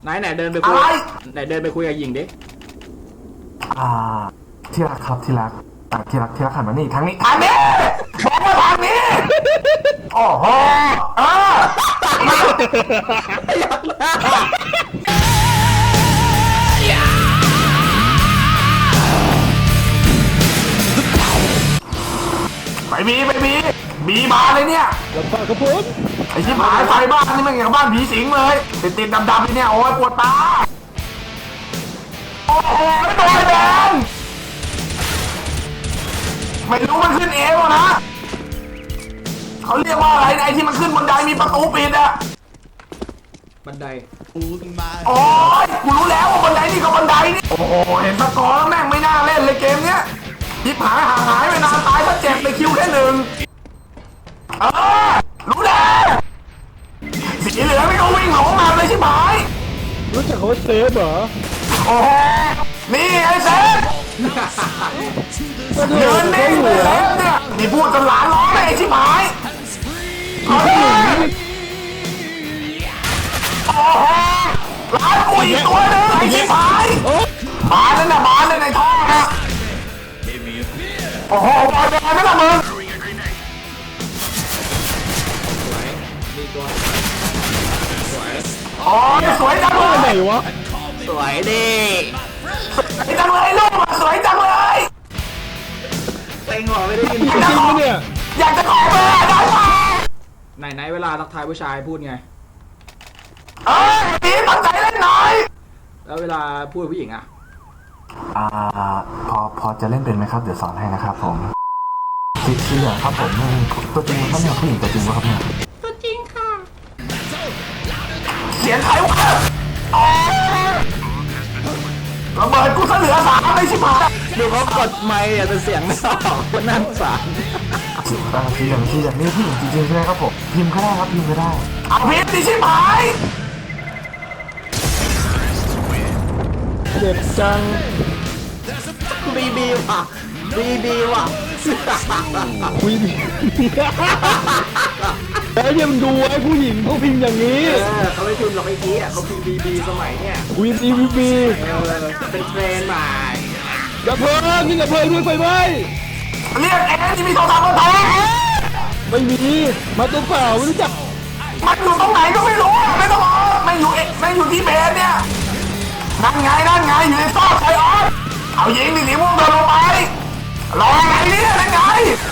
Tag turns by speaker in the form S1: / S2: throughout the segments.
S1: ไหนเดินไปคุยไหนเดินไปคุยกับหญิงดิ
S2: ที่รักครับที่รักที่รักหันมานี่ทางนี้บอกมาทางนี้โอ้โหไปบีมาเลยเนี่ย
S3: แล้วก็กระผม
S2: ไอ้ชิบหายไฟบ้านนี่มันอย่างบ้านผีสิงเลยติดดำๆเนี่ยโอ้ยปวดตาโอ้โหตัวแดงไม่รู้มันขึ้นเอวนะเขาเรียกว่าอะไรไอ้ที่มันขึ้นบันไดมีประตูปิดอะ
S1: บันได
S2: โอ้ยกูรู้แล้วว่าบันไดนี่ก็บันไดนี่โอ้โหเห็นสกอร์แล้วแม่งไม่น่าเล่นเลยเกมเนี้ยชิบหายห่างหายไปนานตายเพราะเจ็บไปคิวแค่หนึ่งรู้แล้วสีเหลืองไม่ก็วิ่งหลงมาเลยชิบหาย
S3: รู้จักเขาเซฟเหรอ
S2: โอ้โหนี่ไอ้เซฟเดินนิ่งเลยเซฟเนี่ยนี่พูดจนหลานร้องเลยไอ้ชิบหายโอ้โหหลานกูอีกตัวนึงไอ้ชิบหายมาเลยนะมาเลยในท้องนะโอ้โหบอลแดงนั่นแหละมึงโอ้ยสวยจังเลย
S3: ไหนวะ
S1: สวยดิ
S2: สวยจังเลยลูกสวยจังเลย
S1: เต็งหัวไม่ได้ยิน
S3: จริงปะเนี่ย
S2: อยากจะขอเบอร์ได้
S1: ไหนเวลาทักทายผู้ชายพูดไง
S2: นี่ตั้งใจเล่นหน่อย
S1: แล้วเวลาพูดผู้หญิงอะ
S2: พอจะเล่นเป็นไหมครับเดี๋ยวสอนให้นะครับผมสีเหลืองครับผมตัวจริงครับเนี่ยผู้หญิงตัวจริงวะครับเนี่ย
S1: ตัวจริงค่ะ
S2: เสียงใครวะระเบิดกูเหลือ3เลยชิบหาย
S1: ดูเขากดไมค์แต่เสียงไม่ออกคนนั่งสาร
S2: สีเหลืองนี่ผู้หญิงจริงๆใช่ไหมครับผมพิมพ์ก็ได้ครับพิมพ์ก็ได้เอาพิมพ์ดิชิบหาย
S3: เจ็บจัง
S1: บีว่ะ
S3: คุยดีแล้วยังดูไอ้ผู้หญิงเขาพิมพ์อย่างนี้
S1: เขาไม่พิมพ์หรอกไอ้กี้เขาพิมพ์บีสมัยเนี่ย
S3: คุยดี
S1: เป็นเทรนด์ใหม่
S3: กระเพิงนี่กระเพิงด้วยไฟไหม
S2: เรียกที่มีโทรศัพท์มาโทร
S3: ไม่มีมาตัวเปล่าไม่รู้จัก
S2: มันอยู่ตรงไหนก็ไม่รู้ไม่ต้องไม่อยู่ที่เบสเนี่ยนั่นไงอยู่ในซอกไซออนเอายิงดิสีม่วงโดนลงไปรออะไรเนี่ยนั่นไง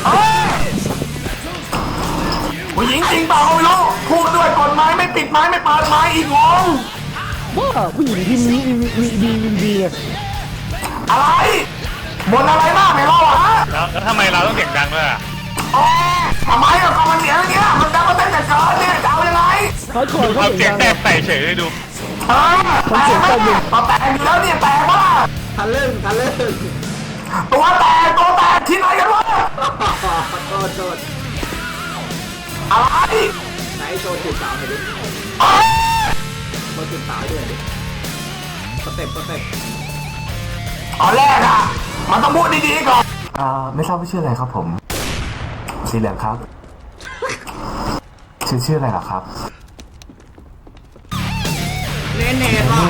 S2: ผู้หญิงจริงเปล่าไม่รู้พูดด้วยกฎหมายไม่ปิดไม้ไม่เปิดไม้อีกงง
S3: ว่าผู้หญิงที่มี
S2: อะไรบนอะไรมากไม่รอฮะ
S4: แล้วทำไมเราต้องเสียงดังด้วยอ่ะ
S2: ทำไมก็มันเสียงอย่างเงี้ยมันดังมาเต้นแต่เกินเนี่ยจะเอายังไง
S3: เขา
S4: เสียงแตกใส่เฉยเลยดู
S2: แตกอยู่แล้วเนี่ยแตกว่า
S1: ทันเล่น
S2: ตัวแตกที่ไหนกันวะ
S1: โทษ
S2: อะไร
S1: ไหนโชว์จุดสาวหน่อยดิโชว์จุดสาวด้วยดิสเต็ป
S2: ตอนแรกอะมันต้องพูดดีๆก่อนไม่ทราบว่าชื่ออะไรครับผมสีเหลืองครับชื่ออะไรหรอครับ
S1: เน่ป่ะ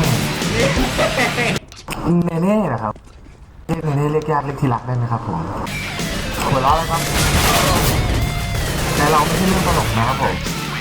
S2: เน่นะครับเรียกยากเรียกที่รักได้ไหมครับผมหัวเราะเลยครับแต่เราไม่ใช่เรื่องตลกนะครับผม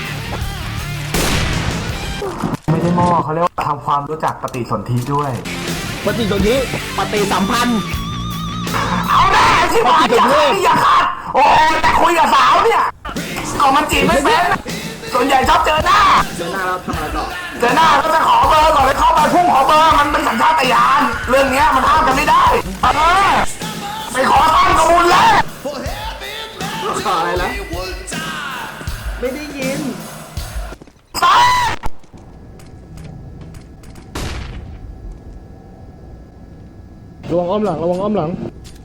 S2: ไม่ได้มอเขาเรียกว่าทำความรู้จักปฏิสนธิด้วย
S3: ปฏิสนธิ
S1: ปฏิสัมพันธ์
S2: เอาแน่ชิบหายอย่าขาดโอ้แต่คุยกับสาวเนี่ยก็มันจีบไม่เป็นส่วนใหญ่ชอบเจอหน้า
S1: แล้วทำอะไรต่อ
S2: เจอหน้าก็จะขอเบอร์ก่อนเลยเข้าไปพุ่งขอเบอร์มันเป็นสัญชาตญาณเรื่องนี้มันห้ามกันไม่ได้ไปขอตั้งกระบุญแล้ว
S1: ขออะไรแล้วไม่ได้ยิน
S3: ระวังอ้อมหลัง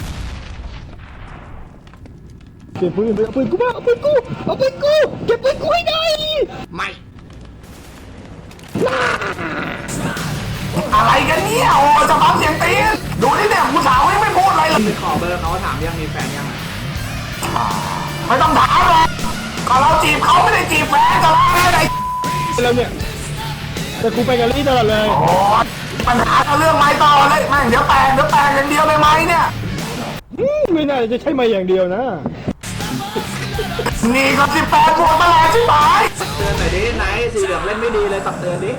S3: เก็บปืนกูมาเอาปืนกูเก็บปืนกูให้ได้
S1: ไม่
S2: อะไรกันเนี่ยโอ้จะฟังเสียงตีนดูนี่เนี่ยผู้สาวยังไม่พูดอะไรเลย
S1: ไปขอเบอร์เขาถามยังมีแฟนยัง
S2: ไม่ต้องถามหรอกก็เราจีบเขาไม่ได้จีบแฟนจะร้องอะไร
S3: แล้วเนี่ยแต่กูไปกับลี่ตลอดเลย
S2: โอ้ยปัญหากับเรื่องไม้ต่อเลยแม่งเดี๋ยวแตกอย่างเดียวเลยไหมเนี่ย
S3: ไม่น่าจะใช่มาอย่างเดียวนะ
S2: นี่ก็18 บวกมาแล้วใช่ไหม
S1: เตือนหน่อยดิไหนสีเหลืองเล่นไม่ดีเลยตักเตือนดิ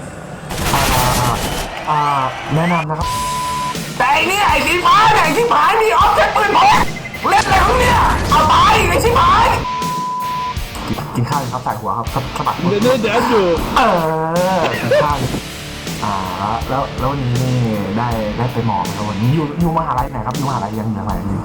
S2: แนะนำนะครับแต่ไอ้นี่ไอ้สีฟ้าเนี่ยไอ้ที่ผายมีออฟเซ็ตปืนพกเล่นอะไรของเนี่ยเอาตายไอ้ที่ผายกินข้าวครับใส่หัวครับสะบัด
S3: เดี๋ยวอยู่
S2: กินข้าวแล้ววันนี้นี่ได้ไปหมอครับวันนี้อยู่มหาลัยไหนครับอยู่มหาลัยยังไงนี่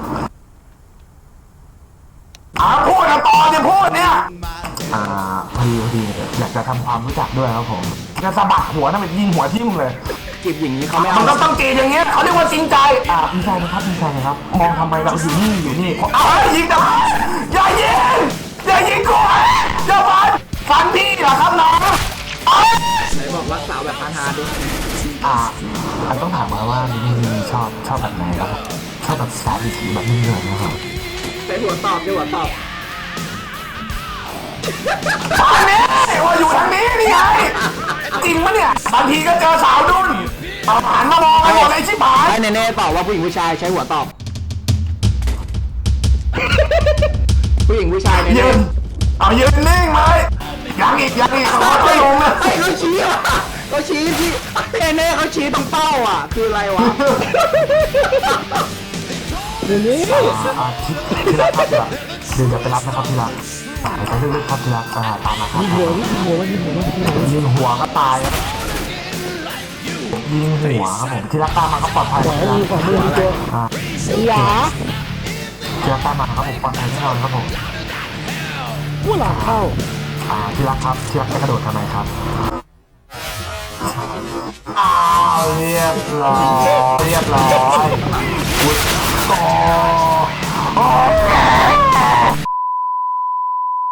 S2: พูดนะต่อเนี่ยพูดเนี่ยพอดีอยากจะทำความรู้จักด้วยครับผมจะสะบัดหัวนั่นเป็นยิงหัวทิ่มเลย
S1: จีบอย่างนี้เขาไม่เอา
S2: มันก็ต้องจีบอย่างเงี้ยเขาเรียกว่าจริงใจดีใจนะครับมองทำไมเราอยู่นี่ยิงแต่อย่ายิงกูอย่าฟันพี่เหรอครับน้อง
S1: ไหนบอกรักสาวแบบฮาๆดิ
S2: อันต้องถามว่านี่ชอบแบบไหนครับชอบแบบสายสีแบบนี้เลยนะครับ
S1: ใช้หัวตอบใช้หัวตอบ
S2: ตอนนี้ว่าอยู่ทางนี้นี่ไงจริงปะเนี่ยบางทีก็เจอสาวดุนหันมามองกันหมดเลยชิบหาย
S1: ให้เน่ๆตอบว่าผู้หญิงผู้ชายใช้หัวตอบ ผู้หญิงผู้ชายเน่
S2: ยืนยืนนิ่งเลยยังอีกเขาไม่ลงเลย
S1: ๆเขาชี้อ่ะเขาชี้ที่เน่ๆเขาชี้ตรงเป้าอ่ะคืออะไรวะ
S3: เดี๋ยวนี้
S2: ที่รักครับเดี๋ยวไปรับนะครับที่รักไปเรื่อยๆครับที่รักตามมาครับ
S3: ยิงหัวมัน
S2: ยิงหัวก็ตายครับยิงหัวครับผมที่รักตามมาก็ปลอดภัย
S3: ขวามือมีตัวหวา
S2: ที่รักตามมาครับผมปลอดภัยแน่นอนครับผม
S3: ผู้หลังเข้า
S2: ที่รักครับที่รักจะกระโดดทำไมครับเรียบร้อย